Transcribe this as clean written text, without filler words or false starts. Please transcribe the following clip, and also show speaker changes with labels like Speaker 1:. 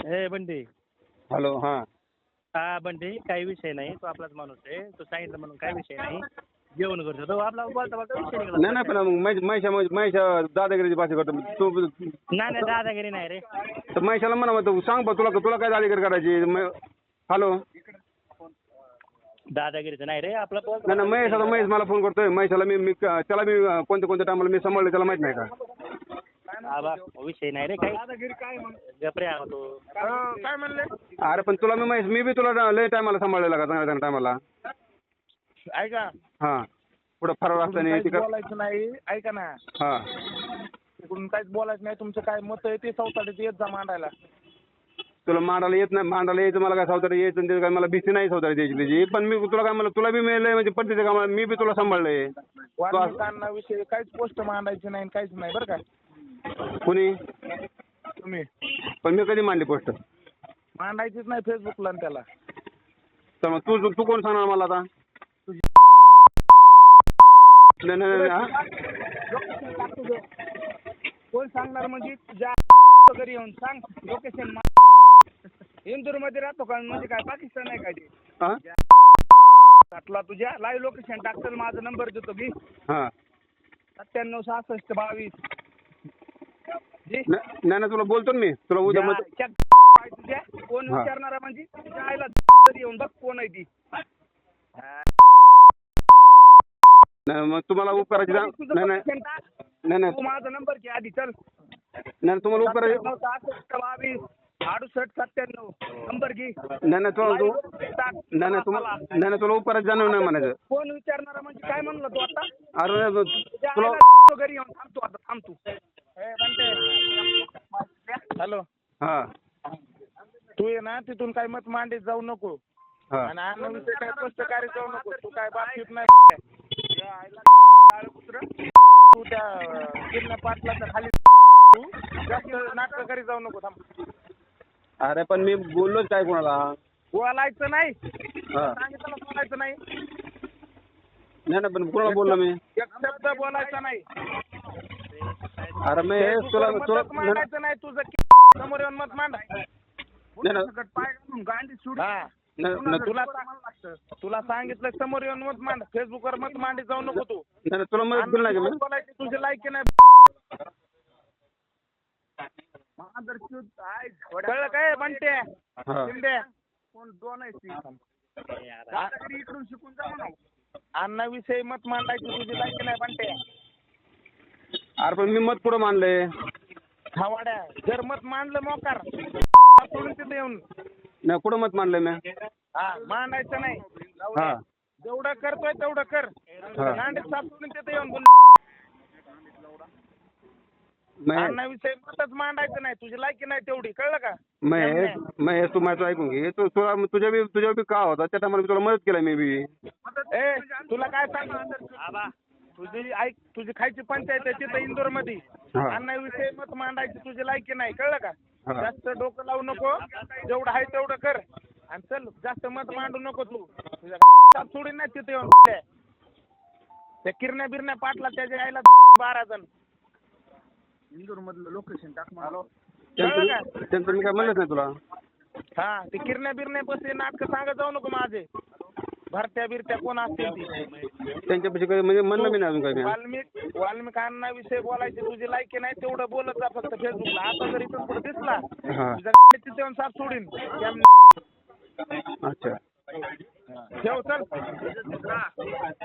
Speaker 1: ए Bunty.
Speaker 2: Hello. हां
Speaker 1: हा बंटी, काही विषय नाही. तो आपलाच माणूस आहे. तो सांगितलं म्हणून काही विषय नाही. जेवण करतो तो आपला बोलता बोलता विषय
Speaker 2: नाही
Speaker 1: निघाला.
Speaker 2: नाही पण महेशा दादागिरीची भाषा करतो तू.
Speaker 1: नाही दादागिरी नाही रे.
Speaker 2: तर महेशाला म्हणा तू सांग बा तुला तुला काय दादागिरी करायची. हॅलो.
Speaker 1: दादागिरीचं नाही रे आपला बोलता.
Speaker 2: नाही महेश आता महेश मला फोन करतोय. महेशाला मी त्याला मी कोणत्या टायमाला मी सांभाळलं त्याला माहित नाही का.
Speaker 1: आबा विषय नाही रे काही. दादागिरी काय गपरे आहो तो.
Speaker 3: काय म्हणले?
Speaker 2: अरे पण तुला मी महेश मी बी तुला लय टायमाला सांभाळलेला का चांगल्या टायमाला.
Speaker 3: ऐका,
Speaker 2: हां पुढं फरार असताना
Speaker 3: काहीच
Speaker 2: तिकडं.
Speaker 3: बोलायचं नाही. ऐका ना,
Speaker 2: हां
Speaker 3: तिकडून काहीच बोलायचं नाही. तुमचं काय मत आहे ते चौथाडीत येत जा मांडायला.
Speaker 2: तुला मांडायला येत नाही. मांडायला यायचं मला काय सावतारी यायचं आणि काय मला भीती नाही सावतारी द्यायची त्याची. पण मी तुला काय मला तुला बी मिळलंय म्हणजे पद्धतीचं का मी बी तुला सांभाळलंय.
Speaker 3: वाल्मिकांविषयी काहीच पोस्ट मांडायची नाही, काहीच नाही बरं का.
Speaker 2: कुणी
Speaker 3: तुम्ही
Speaker 2: पण मी कधी मांडली पोस्ट.
Speaker 3: मांडायचीच नाही फेसबुकला आणि त्याला.
Speaker 2: तर मग तू तू कोण सांगणार मला आता. नाही नाही नाही हां.
Speaker 3: कोण सांगणार म्हणजे तुझ्या घरी येऊन सांग लोकेशन. इंदूर मध्ये राहतो का म्हणजे काय पाकिस्तान आहे काय ते.
Speaker 2: हां
Speaker 3: टाकला तुझ्या लाईव्ह लोकेशन टाकतं. माझा नंबर देतो मी.
Speaker 2: हां
Speaker 3: 976622.
Speaker 2: नाही नाही तुला बोलतो ना मी तुला उद्या मग.
Speaker 3: तुझ्या कोण
Speaker 2: हा.
Speaker 3: विचारणारा म्हणजे तुझ्या आईला येऊन बघ कोण आहे ती.
Speaker 2: नाही मग तुम्हाला उपकाराची नाही नाही नाही नाही
Speaker 3: तू माझा नंबर घे आधी चल.
Speaker 2: नाही तुम्हाला उपकाराची
Speaker 3: 6722 6897 नंबर घे.
Speaker 2: नाही नाही तुला तू नाही नाही तुम्हाला नाही नाही तुला उपकाराची जाणीव नाही म्हणायचं.
Speaker 3: कोण विचारणारा म्हणजे काय म्हणलं तू आता.
Speaker 2: अरे
Speaker 3: तुझ्या
Speaker 2: तुला
Speaker 3: आईला घरी येऊन थांबतो आता थांबतो. हॅलो.
Speaker 2: हां
Speaker 3: तू ये ना तिथून काय मत मांडीत जाऊ नको.
Speaker 2: हां
Speaker 3: आणि अन्न विषय काय स्पष्टकारी जाऊ नको. तू काय बातचीत नाही. या आईला काळं कुत्रं. तू त्या गिरण्या पाटलाच्या खाली तू जास्त नाटकं करी जाऊ नको. थांब.
Speaker 2: अरे पण मी बोललोच काय कोणाला.
Speaker 3: बोलायचं नाही.
Speaker 2: हां
Speaker 3: सांगितलं बोलायचं नाही.
Speaker 2: नाही नाही पण कोणाला बोललो मी.
Speaker 3: एक शब्द बोलायचा नाही.
Speaker 2: अरे मी तुला तुला
Speaker 3: मतच मांडायचं नाही तुझं. समोर येऊन मत मांडाय. पाय घालून गांडी सुड. तुला तुला सांगितलं समोर येऊन मत मांड. फेसबुकवर मत मांडी जाऊ नको तू.
Speaker 2: नाही तुला मदत केली नाही का मी.
Speaker 3: बोलायची तुझे लायकी नाही. कळलं काय म्हणते
Speaker 2: हां
Speaker 3: शिंदे. कोण दोन आहे इकडून शिकून जा म्हणा. अन्नाविषयी मत मांडायची तुझी लायकी नाही म्हणते.
Speaker 2: अरे पण मी मत पुढं मानलंय.
Speaker 3: खावाड्या जर मत मांडलं मोकार सोडून तिथे येऊन.
Speaker 2: नाही कुठं मत मानलंय मी.
Speaker 3: हा मांडायचं नाही.
Speaker 2: हां
Speaker 3: जेवढं करतोय तेवढं कर.
Speaker 2: हा.
Speaker 3: नांडीत साफ सोडून तिथे येऊन बोल. अन्नाविषयी मतच मांडायचं नाही. तुझी लायकी नाही तेवढी. कळलं का.
Speaker 2: महेश तू माझं ऐकून घे. तू तुला तुझ्या बी का होता त्या टायमाला तुला मदत केली मी बी.
Speaker 3: ए तुला काय सांग. तुझी ऐक तुझी खायची पंचायत आहे तिथं इंदोर मध्ये.
Speaker 2: हा.
Speaker 3: अन्नाविषयी मत मांडायची तुझी लायकी नाही. कळलं का.
Speaker 2: हा.
Speaker 3: जास्त डोकं लावू नको. जेवढं आहे तेवढं कर. आणि चल जास्त मत मांडू नको तू. तुझ्या सोडून नाही तिथे येऊन त्या किरण्या बिरण्या पाटला त्याच्या आईला 12 जण. इंदोर मधलं लोकेशन टाक.
Speaker 2: त्यांचं मी काय म्हणलंच नाही तुला.
Speaker 3: हा ते किरण्या बिरण्या बसले नाटकं सांगत जाऊ नको माझे. भरत्या बिरत्या कोण असतील ती.
Speaker 2: त्यांच्यापाशी काही म्हणजे म्हणलं मी नाही अजून काही.
Speaker 3: वाल्मिकांना विषय बोलायची तुझी लायकी नाही तेवढं बोलत जा फक्त फेसबुकला. आता जर इथून पुढे दिसला तिथे येऊन साफ सोडीन.
Speaker 2: अच्छा
Speaker 3: ठेव चल.